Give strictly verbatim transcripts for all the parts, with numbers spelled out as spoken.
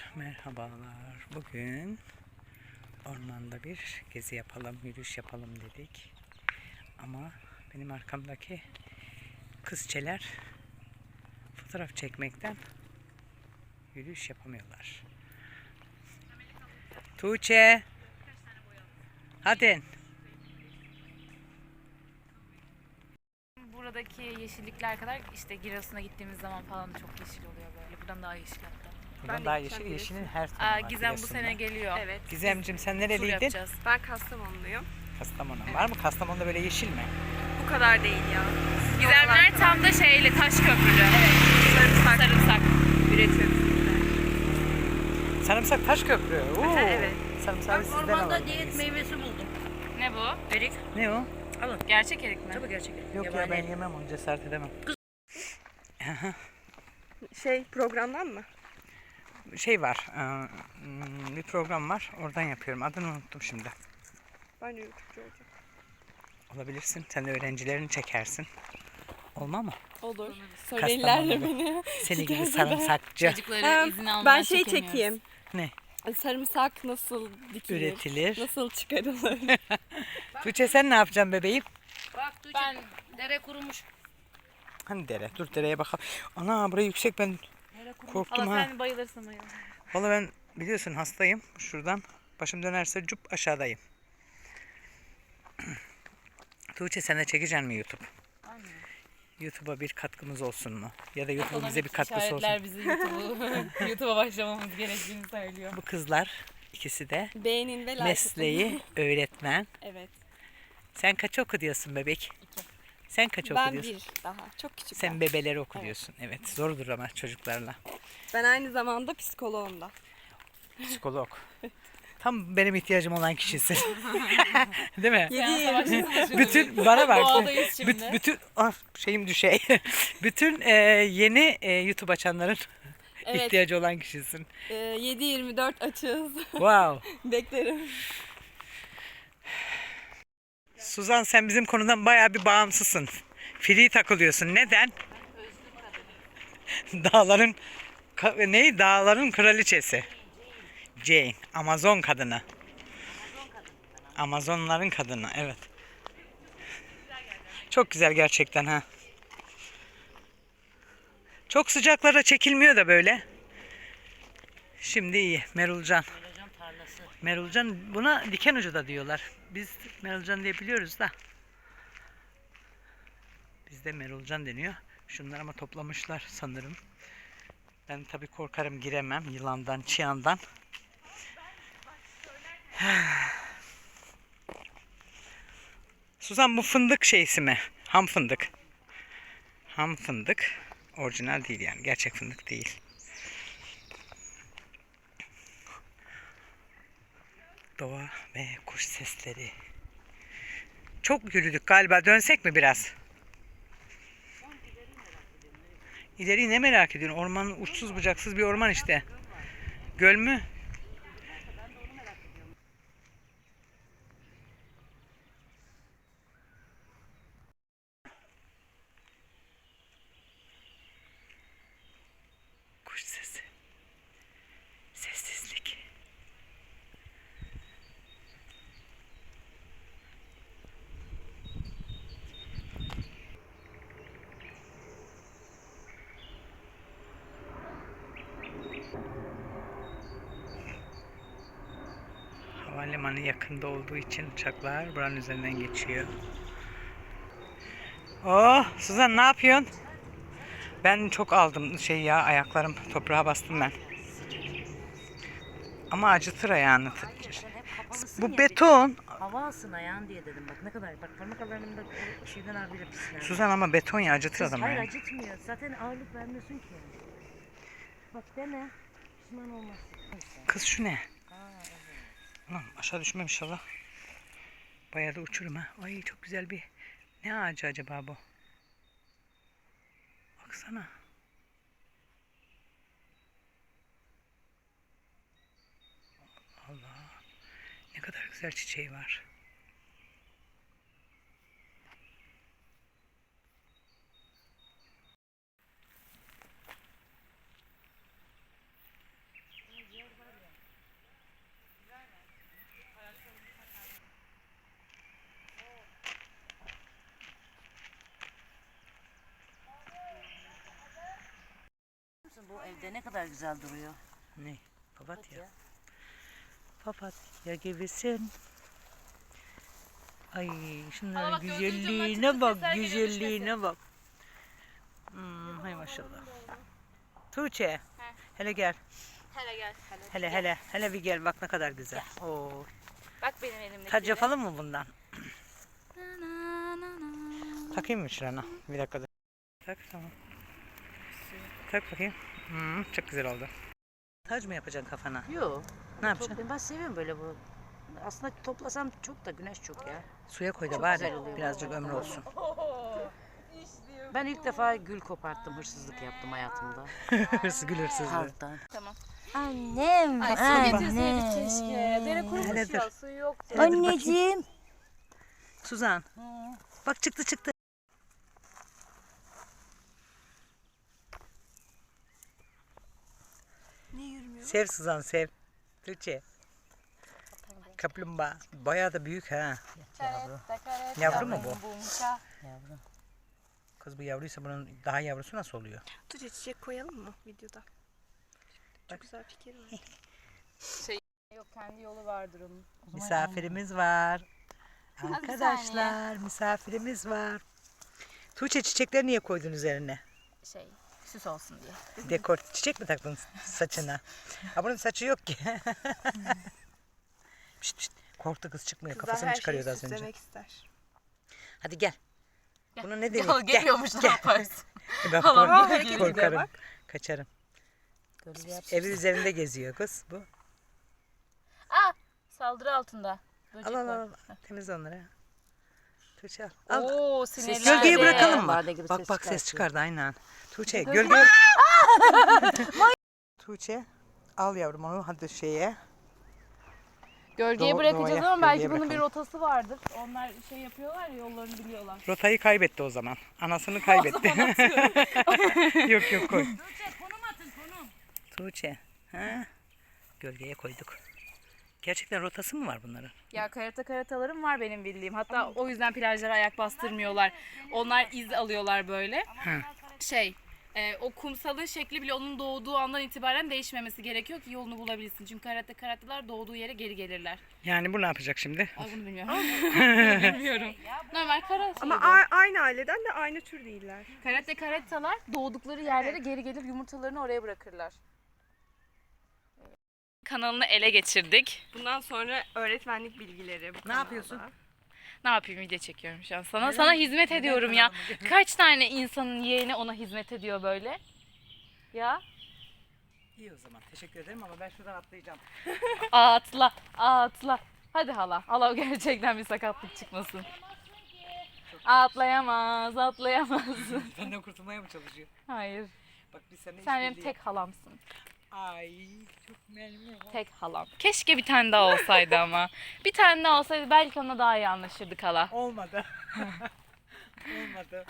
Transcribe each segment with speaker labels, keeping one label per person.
Speaker 1: Merhabalar. Bugün ormanda bir gezi yapalım, yürüyüş yapalım dedik. Ama benim arkamdaki kızçeler fotoğraf çekmekten yürüyüş yapamıyorlar. Tuğçe, hadi.
Speaker 2: Buradaki yeşillikler kadar işte Giresun'a gittiğimiz zaman falan çok yeşil oluyor böyle. Buradan daha yeşil hatta.
Speaker 1: Buradan daha yeşil, yeşilin her tonu
Speaker 2: Aa,
Speaker 1: var.
Speaker 2: Gizem bu
Speaker 1: Giresun'da.
Speaker 2: sene geliyor.
Speaker 3: Evet.
Speaker 1: Gizemcim sen
Speaker 2: Tur
Speaker 1: nereliydin?
Speaker 2: yapacağız.
Speaker 3: Ben Kastamonluyum.
Speaker 1: Kastamonu.
Speaker 3: Evet.
Speaker 1: Var mı Kastamonu'da böyle yeşil mi?
Speaker 3: Bu kadar değil ya.
Speaker 2: Gizemler tam da şeyli, taş köprülü.
Speaker 3: Evet. Sarımsak
Speaker 2: Sarımsak.
Speaker 3: üretiyoruz bizler.
Speaker 1: Sarımsak taş köprü. Oo.
Speaker 3: Evet.
Speaker 1: Sarımsağı sizden
Speaker 4: Ormanda
Speaker 1: alalım.
Speaker 4: diyet meyvesi buldum.
Speaker 2: Ne bu?
Speaker 4: Erik.
Speaker 1: Ne o?
Speaker 4: Alın.
Speaker 2: Gerçek erik mi?
Speaker 4: Tabii gerçek erik.
Speaker 1: Yok ya
Speaker 4: Yabani
Speaker 1: ben
Speaker 4: erik.
Speaker 1: yemem onu, cesaret edemem.
Speaker 3: Şey programdan mı?
Speaker 1: Şey var, e, bir program var, oradan yapıyorum. Adını unuttum şimdi.
Speaker 3: Ben de YouTube'cu olacağım.
Speaker 1: Olabilirsin, sen de öğrencilerini çekersin. Olma mı?
Speaker 3: Olur.
Speaker 1: Söylerler
Speaker 3: beni.
Speaker 1: Seni gibi sarımsakçı
Speaker 2: Çocukları
Speaker 3: Hem
Speaker 2: izin almadan
Speaker 3: ben şey
Speaker 2: çekemiyoruz.
Speaker 3: çekeyim.
Speaker 1: ne?
Speaker 3: Sarımsak nasıl dikilir?
Speaker 1: Üretilir.
Speaker 3: Nasıl çıkarılır?
Speaker 1: Tuğçe sen ne yapacaksın bebeğim?
Speaker 4: Bak Tuğçe,
Speaker 2: Ben
Speaker 4: dere kurumuş.
Speaker 1: Hani dere, dur dereye bakalım. Ana burası yüksek, ben
Speaker 4: Dere kurumuş.
Speaker 1: korktum
Speaker 2: Allah
Speaker 1: ha.
Speaker 2: sen bayılırsın bayılırsın.
Speaker 1: Vallahi ben biliyorsun hastayım. Şuradan başım dönerse cup aşağıdayım. Tuğçe sen de çekeceksin mi YouTube? YouTube'a bir katkımız olsun mu? Ya da YouTube'un bize bir katkısı olsun.
Speaker 2: İşaretler bizi YouTube'u YouTube'a başlamamız gerektiğini söylüyor.
Speaker 1: Bu kızlar ikisi de
Speaker 3: Beğenin ve like
Speaker 1: mesleği
Speaker 3: atın.
Speaker 1: öğretmen.
Speaker 3: Evet.
Speaker 1: Sen kaç oku diyorsun bebek?
Speaker 2: İki.
Speaker 1: Sen kaç oku
Speaker 3: Ben
Speaker 1: diyorsun?
Speaker 3: bir daha. Çok küçük.
Speaker 1: Sen
Speaker 3: ben.
Speaker 1: bebeleri oku
Speaker 3: Evet.
Speaker 1: diyorsun. Evet. Zordur ama çocuklarla.
Speaker 3: Ben aynı zamanda psikoloğum da.
Speaker 1: Psikolog. Tam benim ihtiyacım olan kişisin. Değil mi? Bütün bana bak.
Speaker 2: Doğadayız şimdi.
Speaker 1: Büt- bütün ah, şeyim düşey. Bütün e, yeni e, YouTube açanların
Speaker 3: Evet.
Speaker 1: ihtiyacı olan kişisin.
Speaker 3: Ee, yedi yirmi dört açığız.
Speaker 1: Wow.
Speaker 3: Beklerim.
Speaker 1: Suzan sen bizim konudan bayağı bir bağımsızsın. Free takılıyorsun. Neden? Dağların ka- ne? Dağların kraliçesi. Jane. Amazon kadını. Amazonların kadını. Evet. Çok güzel gerçekten ha. Çok sıcaklara çekilmiyor da böyle. Şimdi iyi. Merulcan.
Speaker 4: Mercan tarlası.
Speaker 1: Merulcan buna diken ucu da diyorlar. Biz Merulcan diye biliyoruz da. Bizde Merulcan deniyor. Şunlar ama toplamışlar sanırım. Ben tabii korkarım, giremem yılandan, çıyandan. Suzan bu fındık şeysi mi? Ham fındık. Ham fındık. Orijinal değil yani. Gerçek fındık değil. Doğa ve kuş sesleri. Çok yürüdük galiba. Dönsek mi biraz? İleriyi ne merak ediyorsun? Orman uçsuz bucaksız bir orman işte. Göl mü? Kuş sesi. Sessizlik. Havalimanı yakında olduğu için uçaklar buranın üzerinden geçiyor. Oh, Suzan ne yapıyorsun? Ben çok aldım şey ya, ayaklarım toprağa bastım ben. Ama acıtır ayağını. Bu beton.
Speaker 4: Hava alsın ayağın diye dedim bak ne kadar. Bak parmak aralarında o şeyden abiyle pisler.
Speaker 1: Suzan ama beton ya, acıtır
Speaker 4: Kız,
Speaker 1: adamı
Speaker 4: hayır
Speaker 1: yani.
Speaker 4: acıtmıyor. Zaten ağırlık vermiyorsun ki. Bak dene. Pişman olmazsın.
Speaker 1: Kız şu ne?
Speaker 4: Aa, evet.
Speaker 1: Ulan aşağı düşmem inşallah. Bayağı da uçurum ha. Ay çok güzel bir. Ne ağacı acaba bu? Baksana. Allah. Ne kadar güzel çiçeği var.
Speaker 4: evde ne kadar güzel duruyor.
Speaker 1: Ne? Papatya. Papatya gibisin. Ay şunların
Speaker 2: Aa, bak, gözünün
Speaker 1: güzelliğine
Speaker 2: camından
Speaker 1: bak,
Speaker 2: çıktı, sesler geliyor,
Speaker 1: güzelliğine bak. Hmm, hay maşallah. Tuğçe, hele gel.
Speaker 2: Hele gel.
Speaker 1: Hele hele, hele bir gel bak ne kadar güzel. Oo.
Speaker 2: Bak benim elimdeki.
Speaker 1: Tac yapalım mı bundan? Takayım mı şurana? Bir dakika. Tak tamam. Tak bakayım. Hmm, çok güzel oldu. Tac mı yapacaksın kafana?
Speaker 4: Yok.
Speaker 1: Ne yapacaksın?
Speaker 4: Çok, ben seviyorum böyle bu. Aslında toplasam çok da güneş çok ya.
Speaker 1: Suya koy da
Speaker 4: Çok
Speaker 1: bari
Speaker 4: güzel oluyor.
Speaker 1: birazcık ömrü olsun.
Speaker 4: Ben ilk defa gül koparttım, hırsızlık yaptım hayatımda.
Speaker 1: Hırsız gül hırsızlığı.
Speaker 4: Halktan.
Speaker 2: Tamam.
Speaker 4: Annem,
Speaker 2: Ay su getirseydik keşke. Dere kurumuş
Speaker 1: Hele
Speaker 2: ya
Speaker 1: dur.
Speaker 2: suyu yoktu.
Speaker 1: Hele dur bakayım.
Speaker 4: Anneciğim.
Speaker 1: Suzan. Bak çıktı çıktı.
Speaker 3: Niye yürümüyor?
Speaker 1: Sev Suzan sev. Tuğçe. Kaplumbağa. Bayağı da büyük ha. Yavru mu bu?
Speaker 4: Yavrum.
Speaker 1: Kız bu yavruysa bunun daha yavrusu nasıl oluyor?
Speaker 3: Tuğçe çiçek koyalım mı videoda? Çok güzel fikir var.
Speaker 2: Yok kendi yolu vardır onun.
Speaker 1: Misafirimiz var. Arkadaşlar misafirimiz var. Tuğçe çiçekleri niye koydun üzerine?
Speaker 2: Şey süs olsun diye.
Speaker 1: Dekor çiçek mi taktın saçına? Ha bunun saçı yok ki. Pişt, pişt. Korktu kız çıkmıyor.
Speaker 3: Kızlar
Speaker 1: Kafasını
Speaker 3: her şeyi
Speaker 1: çıkarıyordu az önce.
Speaker 3: süslemek ister.
Speaker 1: Hadi gel. Bunu ne denir?
Speaker 2: Yol geliyormuş ne yaparsın?
Speaker 1: Ben
Speaker 2: Halam
Speaker 1: kork-
Speaker 3: hareket ediyor
Speaker 1: korkarım.
Speaker 3: bak.
Speaker 1: Kaçarım.
Speaker 4: Gölge yap.
Speaker 1: Evi üzerinde geziyor kız bu.
Speaker 2: Aa saldırı altında. Böcek
Speaker 1: Al al
Speaker 2: var.
Speaker 1: al. Temizle onları. Tuğçe al. Al.
Speaker 2: Oo sinirlendi.
Speaker 1: Gölgeye bırakalım mı?
Speaker 4: Bade gibi
Speaker 1: Bak
Speaker 4: ses
Speaker 1: bak ses
Speaker 4: çıkartıyor.
Speaker 1: çıkardı aynen. Tuğçe gölge. Tuğçe al yavrum onu hadi şeye.
Speaker 2: Gölgeye
Speaker 1: Doğ-
Speaker 2: bırakacağız
Speaker 1: doğaya,
Speaker 2: ama belki
Speaker 1: gölgeye
Speaker 2: bunun bir
Speaker 1: bırakalım.
Speaker 2: rotası vardır. Onlar şey yapıyorlar ya yollarını biliyorlar.
Speaker 1: Rotayı kaybetti o zaman. Anasını kaybetti. yok yok koy.
Speaker 2: Tuğçe konum atın konum.
Speaker 1: Tuğçe. Ha? Gölgeye koyduk. Gerçekten rotası mı var bunların?
Speaker 2: Ya karata karatalarım var benim bildiğim. Hatta o yüzden plajlara ayak bastırmıyorlar. Onlar iz alıyorlar böyle.
Speaker 1: Hı.
Speaker 2: Şey, e, o kumsalın şekli bile onun doğduğu andan itibaren değişmemesi gerekiyor ki yolunu bulabilsin. Çünkü karate karatalar doğduğu yere geri gelirler.
Speaker 1: Yani bu ne yapacak şimdi?
Speaker 2: Ay bunu bilmiyorum. Bilmiyorum. Normal kara
Speaker 3: Ama
Speaker 2: şeydi.
Speaker 3: a- aynı aileden de aynı tür değiller.
Speaker 2: Karate karatalar doğdukları yerlere geri gelir yumurtalarını oraya bırakırlar. Kanalını ele geçirdik.
Speaker 3: Bundan sonra öğretmenlik bilgileri bu
Speaker 1: Ne
Speaker 3: kanalda.
Speaker 1: yapıyorsun?
Speaker 2: Ne yapayım video çekiyorum şu an. Sana sana hizmet ediyorum ya. Kaç tane insanın yeğeni ona hizmet ediyor böyle? Ya
Speaker 1: İyi o zaman. Teşekkür ederim ama ben şuradan atlayacağım.
Speaker 2: atla atla. Hadi hala. Hala gerçekten bir sakatlık çıkmasın. Atlayamaz, atlayamaz.
Speaker 1: Benden kurtulmaya mı çalışıyor?
Speaker 2: Hayır.
Speaker 1: Bak biz seninle
Speaker 2: Sen benim
Speaker 1: işbirliği
Speaker 2: tek halamsın.
Speaker 1: Ay çok memnun.
Speaker 2: Tek halam. Keşke bir tane daha olsaydı ama. Bir tane daha olsaydı belki onunla daha iyi anlaşırdık hala.
Speaker 1: Olmadı. Olmadı.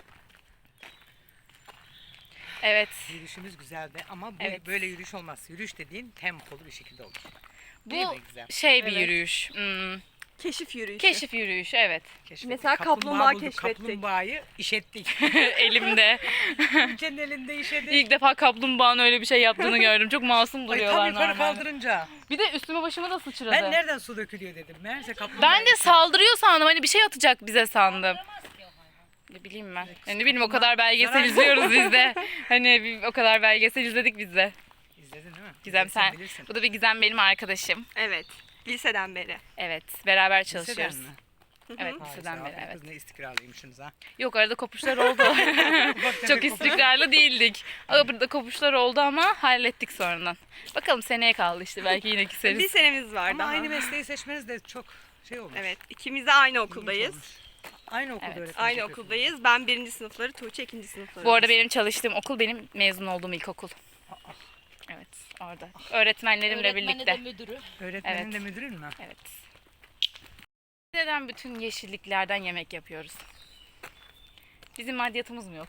Speaker 2: Evet.
Speaker 1: Yürüyüşümüz güzeldi ama bu
Speaker 2: Evet.
Speaker 1: böyle yürüyüş olmaz. Yürüyüş dediğin tempolu bir şekilde olur. Değil
Speaker 2: Bu
Speaker 1: mi Gizem?
Speaker 2: şey bir
Speaker 3: Evet.
Speaker 2: yürüyüş. Hmm,
Speaker 3: Keşif yürüyüşü.
Speaker 2: keşif yürüyüşü evet.
Speaker 1: Keşfettik.
Speaker 3: Mesela kaplumbağa
Speaker 1: bulduk.
Speaker 3: keşfettik.
Speaker 1: Kaplumbağayı işettik.
Speaker 2: Elimde.
Speaker 1: Ülkenin elinde işedik.
Speaker 2: İlk defa kaplumbağanın öyle bir şey yaptığını gördüm. Çok masum
Speaker 1: Ay
Speaker 2: duruyorlar
Speaker 1: tam yukarı
Speaker 2: normalde.
Speaker 1: kaldırınca.
Speaker 2: Bir de üstüme başıma da sıçradı.
Speaker 1: Ben nereden su dökülüyor dedim. Meğerse kaplumbağa.
Speaker 2: Ben de saldırıyor sandım. Hani bir şey atacak bize sandım. Ne bileyim ben. Yani ne bileyim o kadar belgesel
Speaker 1: Zarar-
Speaker 2: izliyoruz biz de. Hani bir, o kadar belgesel izledik biz de.
Speaker 1: İzledin değil mi?
Speaker 2: Gizem
Speaker 1: Bilirsin,
Speaker 2: sen.
Speaker 1: bilirsin.
Speaker 2: Bu da bir Gizem benim arkadaşım.
Speaker 3: Evet. Liseden beri.
Speaker 2: Evet. Beraber
Speaker 1: Liseden
Speaker 2: çalışıyoruz.
Speaker 1: mi?
Speaker 2: Evet
Speaker 1: Vay,
Speaker 2: liseden
Speaker 1: sağ ol.
Speaker 2: beri evet.
Speaker 1: Kız ne istikrarlıymışsınız ha.
Speaker 2: Yok arada kopuşlar oldu. Çok istikrarlı değildik. Arada kopuşlar oldu ama hallettik sonradan. Bakalım seneye kaldı işte belki yine
Speaker 3: Bir
Speaker 2: küseriz.
Speaker 3: senemiz var
Speaker 1: Ama
Speaker 3: daha.
Speaker 1: aynı mesleği seçmeniz de çok şey olmuş.
Speaker 3: Evet. İkimiz de aynı
Speaker 1: İlginç
Speaker 3: okuldayız.
Speaker 1: olmuş. Aynı okulda
Speaker 2: Evet.
Speaker 1: öğretmenlik
Speaker 3: Aynı
Speaker 1: yapıyorsunuz.
Speaker 3: okuldayız. Ben birinci sınıfları, Tuğçe ikinci sınıfları.
Speaker 2: Bu arada benim çalıştığım okul benim mezun olduğum ilkokul. Evet orada. Öğretmenlerimle birlikte.
Speaker 1: Öğretmenin
Speaker 2: Evet.
Speaker 1: de müdürün mü?
Speaker 2: Evet. Neden bütün yeşilliklerden yemek yapıyoruz? Bizim maddiyatımız mı yok?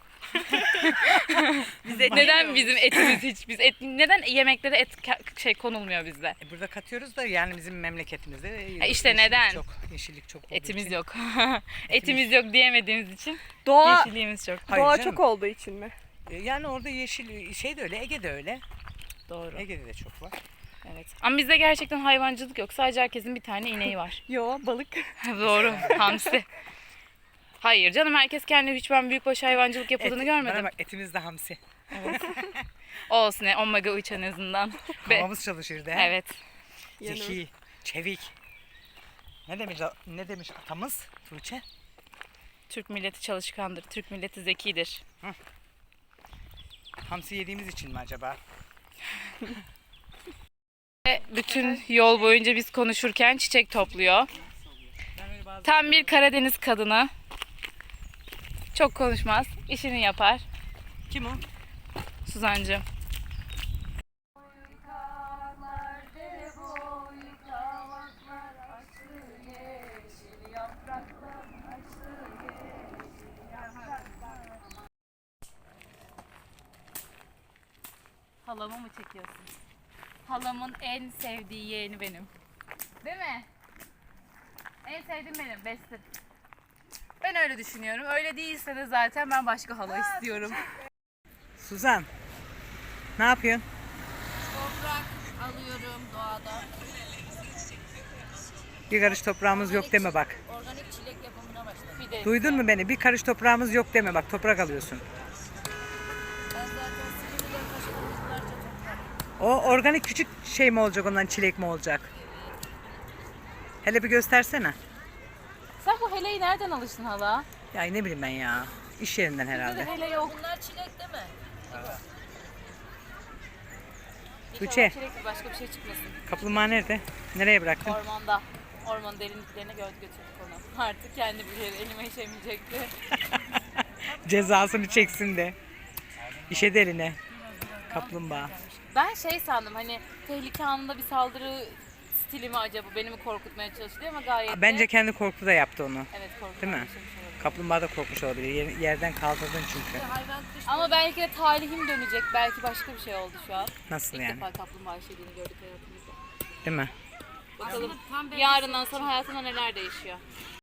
Speaker 3: Bize
Speaker 2: Neden bizim etimiz hiç biz et neden yemeklere et ka- şey konulmuyor bizde?
Speaker 1: E burada katıyoruz da yani bizim memleketimizde
Speaker 2: Ha işte
Speaker 1: yeşillik
Speaker 2: neden?
Speaker 1: Çok, yeşillik çok olduğu
Speaker 2: Etimiz
Speaker 1: için.
Speaker 2: yok. Etimiz yok diyemediğimiz için
Speaker 3: Doğa,
Speaker 2: yeşilliğimiz çok.
Speaker 1: Hayır
Speaker 3: doğa
Speaker 1: canım.
Speaker 3: çok olduğu için mi?
Speaker 1: E, Yani orada yeşil şey de öyle, Ege de öyle.
Speaker 2: doğru.
Speaker 1: Ege'de de çok var.
Speaker 2: Evet. Ama bizde gerçekten hayvancılık yok. Sadece herkesin bir tane ineği var.
Speaker 3: Yo balık.
Speaker 2: Doğru. Hamsi. Hayır canım, herkes kendi hiç ben büyükbaş hayvancılık yapıldığını
Speaker 1: Et-
Speaker 2: görmedim.
Speaker 1: Bana bak, etimiz de hamsi.
Speaker 2: Olsun, ne omega üç en azından. Be-
Speaker 1: Kafamız çalışırdı. he?
Speaker 2: evet.
Speaker 1: Zeki, çevik. Ne demiş ne demiş atamız Tuğçe?
Speaker 2: Türk milleti çalışkandır. Türk milleti zekidir.
Speaker 1: Hamsi yediğimiz için mi acaba?
Speaker 2: Ve bütün yol boyunca biz konuşurken çiçek topluyor.
Speaker 1: Ben öyle bazı
Speaker 2: Tam bir Karadeniz kadını. Çok konuşmaz, işini yapar.
Speaker 1: Kim o?
Speaker 2: Suzancığım. Halamı mı çekiyorsun? Halamın en sevdiği yeğeni benim. Değil mi? En sevdiğim benim, bestim. Ben öyle düşünüyorum. Öyle değilse de zaten ben başka hala istiyorum.
Speaker 1: Suzan. Ne yapıyorsun?
Speaker 4: Toprak alıyorum doğada.
Speaker 1: Bir karış toprağımız yok deme bak.
Speaker 4: Organik çilek yapımına başladım.
Speaker 2: Bir de
Speaker 1: Duydun mu beni? Bir karış toprağımız yok deme bak, toprak alıyorsun.
Speaker 4: Ben zaten Silivri'de taşıdım yıllarca toprak.
Speaker 1: O organik küçük şey mi olacak, ondan çilek mi olacak? Hele bir göstersene.
Speaker 2: sen bu heleyi nereden alıştın hala?
Speaker 1: Ya ne bileyim ben ya. İş yerinden herhalde.
Speaker 2: Hele yok.
Speaker 4: Bunlar çilek değil mi?
Speaker 1: Tuğçe.
Speaker 2: Sürekli başka bir şey çıkmasın.
Speaker 1: Kaplumbağa nerede? Nereye bıraktın?
Speaker 2: Ormanda. Ormanın derinliklerine gördü götürdük onu. Artık kendi bir yere elime işemeyecekti.
Speaker 1: Cezasını çeksin de. İşe de eline. Kaplumbağa.
Speaker 2: Ben şey sandım, hani tehlike anında bir saldırı stili mi acaba, beni mi korkutmaya çalıştı ama gayet de...
Speaker 1: Bence kendi korku da yaptı onu.
Speaker 2: Evet, korkutan
Speaker 1: Değil mi?
Speaker 2: bir şeymiş olabilir.
Speaker 1: Kaplumbağa da korkmuş olabilir. Yer- yerden kaldırdın çünkü.
Speaker 4: Hayvan kış
Speaker 2: Ama belki de talihim dönecek. Belki başka bir şey oldu şu an.
Speaker 1: Nasıl
Speaker 2: İlk
Speaker 1: yani?
Speaker 2: defa kaplumbağa işediğini gördük hayatımızda.
Speaker 1: Değil mi?
Speaker 2: Bakalım yarından sonra hayatında neler değişiyor.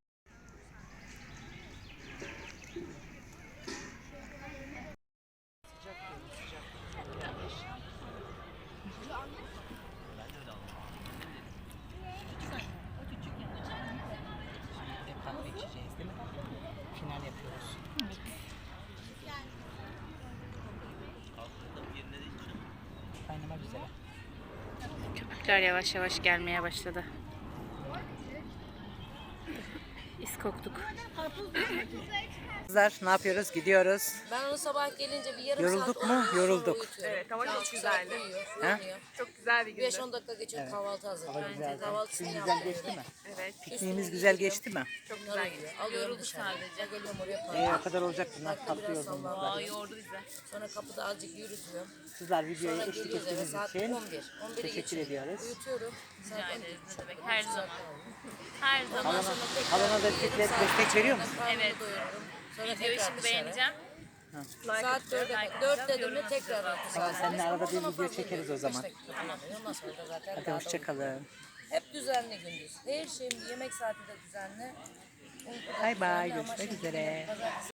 Speaker 1: Kahve içeceğiz değil mi? Final yapıyoruz. Kaynama güzel.
Speaker 2: Köpükler yavaş yavaş gelmeye başladı. İz koktuk.
Speaker 1: Kızlar ne yapıyoruz? Gidiyoruz.
Speaker 4: Ben onu sabah gelince bir yarım
Speaker 1: Yorulduk
Speaker 4: saat
Speaker 1: mu?
Speaker 4: uyuyor, sonra
Speaker 1: Yorulduk.
Speaker 4: uyutuyorum.
Speaker 3: Evet ama çok
Speaker 4: Üç saat
Speaker 3: güzeldi.
Speaker 4: uyuyor,
Speaker 1: He?
Speaker 4: uyanıyor.
Speaker 3: Çok güzel bir gündü.
Speaker 4: beş on dakika geçiyor kahvaltı hazır. Bence kahvaltısını
Speaker 1: Güzel
Speaker 4: yapıyor.
Speaker 1: geçti mi?
Speaker 3: Evet.
Speaker 1: Pikniğimiz güzel geçti mi?
Speaker 3: Çok güzel gidiyor.
Speaker 4: Alıyorum dışarıda. Geliyorum oraya
Speaker 1: Ee,
Speaker 4: park.
Speaker 1: o kadar olacak bunlar.
Speaker 4: Parkta
Speaker 1: Tatlı
Speaker 4: biraz
Speaker 1: yolculuk.
Speaker 4: sallanıyor.
Speaker 2: Yordu bize.
Speaker 4: Sonra kapıda azıcık yürütüyorum.
Speaker 1: Kızlar videoya
Speaker 4: Sonra
Speaker 1: eşlik
Speaker 4: geliyoruz eve
Speaker 1: ettiğiniz
Speaker 4: saat
Speaker 1: için
Speaker 4: on bir. on biri
Speaker 1: teşekkür
Speaker 4: geçiyor.
Speaker 1: ediyoruz.
Speaker 4: Uyutuyorum. Saat on bir.
Speaker 2: Ne demek, her zaman. Her zaman.
Speaker 1: Halana, halana da destek, destek veriyor musun?
Speaker 4: Evet. Doyuruyorum. Sonra
Speaker 2: Videoyu
Speaker 4: tekrar
Speaker 2: şimdi
Speaker 4: dışarı.
Speaker 2: beğeneceğim.
Speaker 4: Saat dörde, dört dedim mi tekrar altı saat.
Speaker 1: Seninle arada bir video çekeriz o zaman.
Speaker 4: Ondan sonra da zaten
Speaker 1: Hadi
Speaker 4: daha da
Speaker 1: hoşçakalın.
Speaker 4: hep düzenli gündüz. Her şeyim yemek saati de düzenli. Uyku da
Speaker 1: Bay bay.
Speaker 4: düzenli ama
Speaker 1: Görüşmek
Speaker 4: şimdi
Speaker 1: üzere.
Speaker 4: pazartesi